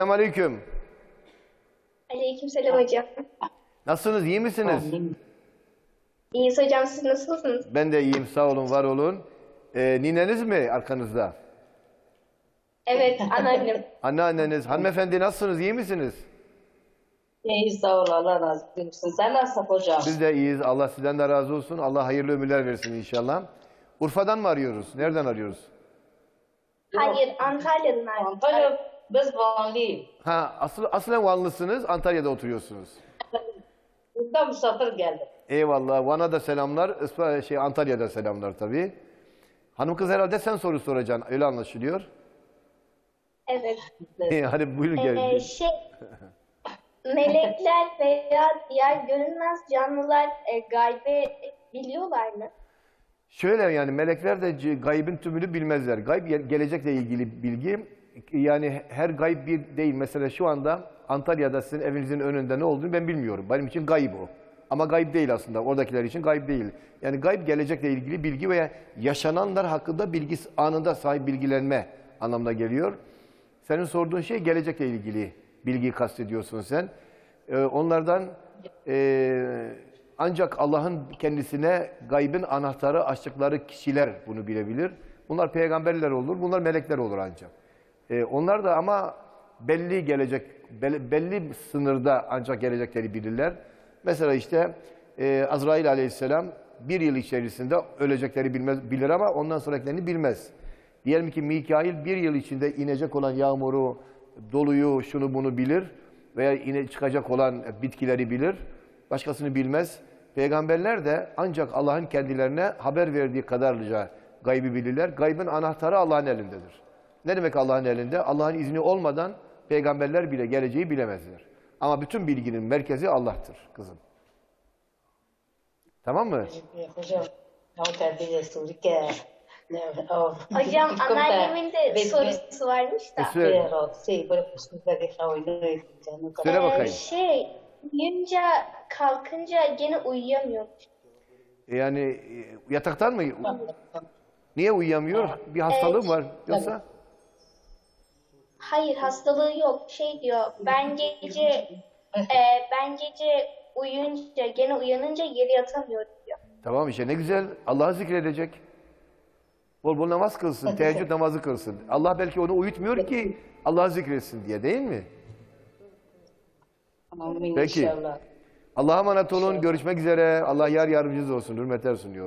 Selamünaleyküm. Aleykümselam hocam. Nasılsınız? İyi misiniz? İyiyiz hocam, siz nasılsınız? Ben de iyiyim. Sağ olun, var olun. Nineniz mi arkanızda? Evet, anneannem. Anneanneniz. Hanımefendi nasılsınız? İyi misiniz? İyi sağ ol Allah razı olsun. Sen nasılsın hocam? Biz de iyiyiz. Allah sizden de razı olsun. Allah hayırlı ömürler versin inşallah. Urfa'dan mı arıyoruz? Nereden arıyoruz? Hayır, Antalya'dan artık. Antalya biz Vanlıyız. Ha, aslen Vanlısınız. Antalya'da oturuyorsunuz. Burada misafir geldim. Eyvallah. Van'a da selamlar. Antalya'da selamlar tabii. Hanım kız herhalde sen soru soracaksın. Öyle anlaşılıyor. Evet. Hadi buyurun gelin. Melekler veya diğer görünmez canlılar gaybe biliyorlar mı? Şöyle yani melekler de gaybın tümünü bilmezler. Gayb gelecekle ilgili bilgi. Yani her gayb bir değil. Mesela şu anda Antalya'da sizin evinizin önünde ne olduğunu ben bilmiyorum. Benim için gayb o. Ama gayb değil aslında. Oradakiler için gayb değil. Yani gayb gelecekle ilgili bilgi veya yaşananlar hakkında bilgi anında sahip bilgilenme anlamına geliyor. Senin sorduğun şey gelecekle ilgili bilgiyi kastediyorsun sen. Onlardan ancak Allah'ın kendisine gaybın anahtarı açtıkları kişiler bunu bilebilir. Bunlar peygamberler olur, bunlar melekler olur ancak. Onlar da ama belli gelecek, belli sınırda ancak gelecekleri bilirler. Mesela işte Azrail aleyhisselam bir yıl içerisinde ölecekleri bilir ama ondan sonrakilerini bilmez. Diyelim ki Mikail bir yıl içinde inecek olan yağmuru, doluyu, şunu bunu bilir veya çıkacak olan bitkileri bilir. Başkasını bilmez. Peygamberler de ancak Allah'ın kendilerine haber verdiği kadarlıca gaybı bilirler. Gaybın anahtarı Allah'ın elindedir. Ne demek Allah'ın elinde? Allah'ın izni olmadan peygamberler bile geleceği bilemezler. Ama bütün bilginin merkezi Allah'tır kızım. Tamam mı? Hocam, o terbiye soru ki. Hocam anneannemin de sorusu varmış da. Söyle bakayım. Uyuyunca kalkınca gene uyuyamıyormuş. Yani yataktan mı? Niye uyuyamıyor? Bir hastalığı mı var yoksa? Hayır, hastalığı yok. Diyor, ben gece uyuyunca gene uyanınca geri yatamıyorum diyor. Tamam işte ne güzel. Allah'ı zikredecek. Bol bol namaz kılsın, teheccüd namazı kılsın. Allah belki onu uyutmuyor ki Allah'ı zikretsin diye, değil mi? Amin Peki. inşallah. Allah'a emanet olun. Görüşmek üzere. Allah yar yardımcınız olsun. Hürmetler sunuyorum.